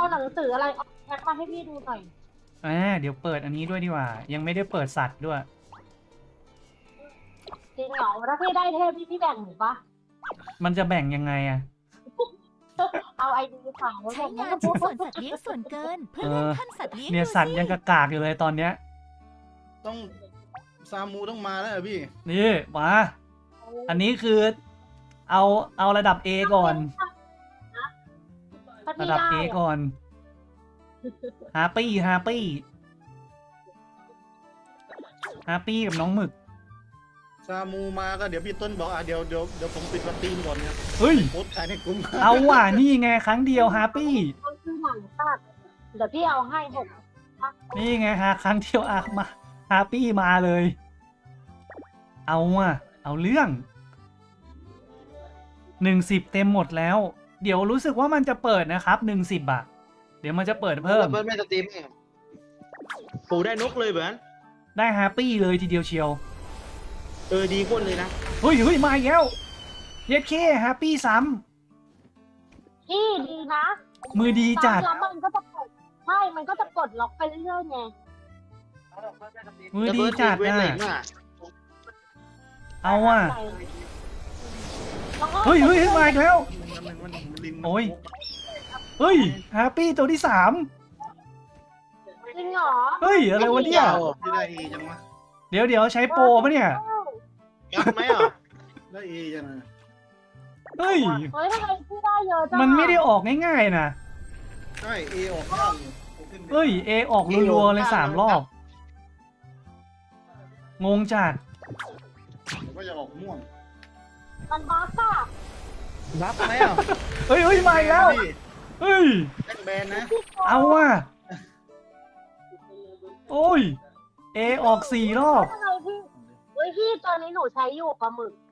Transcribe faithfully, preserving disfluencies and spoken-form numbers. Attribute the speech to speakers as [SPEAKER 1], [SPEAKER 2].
[SPEAKER 1] หนังสืออะไรเอาแพ็คมาให้พี่ดูหน่อย
[SPEAKER 2] อ่าเดี๋ยวเปิดอันนี้ด้วยดีกว่า ยังไม่ได้เปิดสัตว์ด้วย
[SPEAKER 1] จริงเหรอถ้าพี่ได้เทพพี่พี่แบ่งหนูปะ
[SPEAKER 2] มันจะแบ่งยังไงอะ
[SPEAKER 1] เอาไอดีขายแล้ว
[SPEAKER 3] ใช้
[SPEAKER 1] แบ่ง
[SPEAKER 3] งานชิ้นส่วนสัตว์เลี้ยงส่วนเกิน เพื่อเลื่อนขั้นสัตว์เลี้ยง
[SPEAKER 2] เนี่ย
[SPEAKER 3] ดู
[SPEAKER 2] สัตว์
[SPEAKER 3] สิ
[SPEAKER 2] ยังกระกากอยู่เลยตอนเนี้ย
[SPEAKER 4] ต้องซามูต้องมาแล้วเหรอพี่
[SPEAKER 2] นี่มาอันนี้คือเอาเอาระดับ A ก่อน
[SPEAKER 1] ถ้า
[SPEAKER 2] ระ
[SPEAKER 1] พี่
[SPEAKER 2] ดับ
[SPEAKER 1] ได้
[SPEAKER 2] A
[SPEAKER 1] อะ
[SPEAKER 2] ก่อนฮาปี้ฮาปี้ฮาปี้กับน้องหมึก
[SPEAKER 4] ซามูมาก็เดี๋ยวพี่ต้นบอกอ่ะเดี๋ยวเดี๋ยวเดี๋ยวผมปิดวันตีนก่อนเนี่ย
[SPEAKER 2] เฮ้ย
[SPEAKER 4] โพสต์ขายในกลุ่ม
[SPEAKER 2] เอาว่ะนี่ไงครั้งเดียวฮาปี้
[SPEAKER 1] มันคือหนังสัตว์เดี๋ยวพี่เอาให้หก
[SPEAKER 2] นี่ไงฮะครั้งเดียวอะมาฮาปี้มาเลย เอาอ่ะเอาเรื่องหนึ่งสิบเต็มหมดแล้ว เดี๋ยวรู้สึกว่ามันจะเปิดนะครับหนึ่งสิบอะเดี๋ยวมันจะเปิดเพิ่ม
[SPEAKER 5] เบิร์ดไม่สตรีมเองปู่ได้นกเลยเบิร์ด
[SPEAKER 2] ได้ฮาปี้เลยทีเดียวเชียว
[SPEAKER 5] เออดีคนเลยนะ
[SPEAKER 2] เฮ้ยเฮ้ยมาอีกแล้วเย็ดเคฮาปี้ซ้
[SPEAKER 1] พี่ดีนะ
[SPEAKER 2] ำมือดีจัด
[SPEAKER 1] แล้วมันก็จะกดใช่มันก็จะกดล็อกไปเรื่อยๆไง
[SPEAKER 2] มือ
[SPEAKER 5] แล้ว
[SPEAKER 2] ดี
[SPEAKER 5] เบิร์ด
[SPEAKER 2] จัด
[SPEAKER 5] เว้น
[SPEAKER 2] นะ
[SPEAKER 5] อะไรมา
[SPEAKER 2] เอาอ่ะ
[SPEAKER 1] แล้วก็
[SPEAKER 2] เฮ้ยเฮ้ยเฮ้ยมาอีกแล้ว
[SPEAKER 4] มันมันมันลิง
[SPEAKER 2] โอ้ย เฮ้ยฮาปี้ตัวที่สาม
[SPEAKER 1] จริงเหรอ
[SPEAKER 2] เฮ้ยอะไรวะเนี่ย
[SPEAKER 4] พี่ได้เอจังวะ
[SPEAKER 2] เดี๋ยวเดี๋ยวใช้โปรปะเนี่ย
[SPEAKER 5] งัดไหมอ่ะ
[SPEAKER 4] ได้เอจังเลย
[SPEAKER 2] เฮ้ย
[SPEAKER 1] เฮ้ยทำไมพี่ได้เยอะจัง
[SPEAKER 2] มันไม่ได้ออกง่ายๆนะ
[SPEAKER 4] ใช่เอออกยากอยู่ขึ้นไป
[SPEAKER 2] เฮ้ยเอออกรัวๆเลยสามรอบ งงจัด
[SPEAKER 4] เดี๋ยวก็จะออกม่วง
[SPEAKER 1] มันบั๊กอะ
[SPEAKER 4] รับไหมอ่ะ
[SPEAKER 2] เฮ้ยเฮ้ยมาอีกแล้ว เฮ้ย
[SPEAKER 4] แจ็คแบนนะ
[SPEAKER 2] เอาว่ะ โอ้ย เอออกสี่รอบ
[SPEAKER 1] ทำไมพี่เฮ้ยพี่ตอนนี้หนูใช้อยู่ปลาหมึก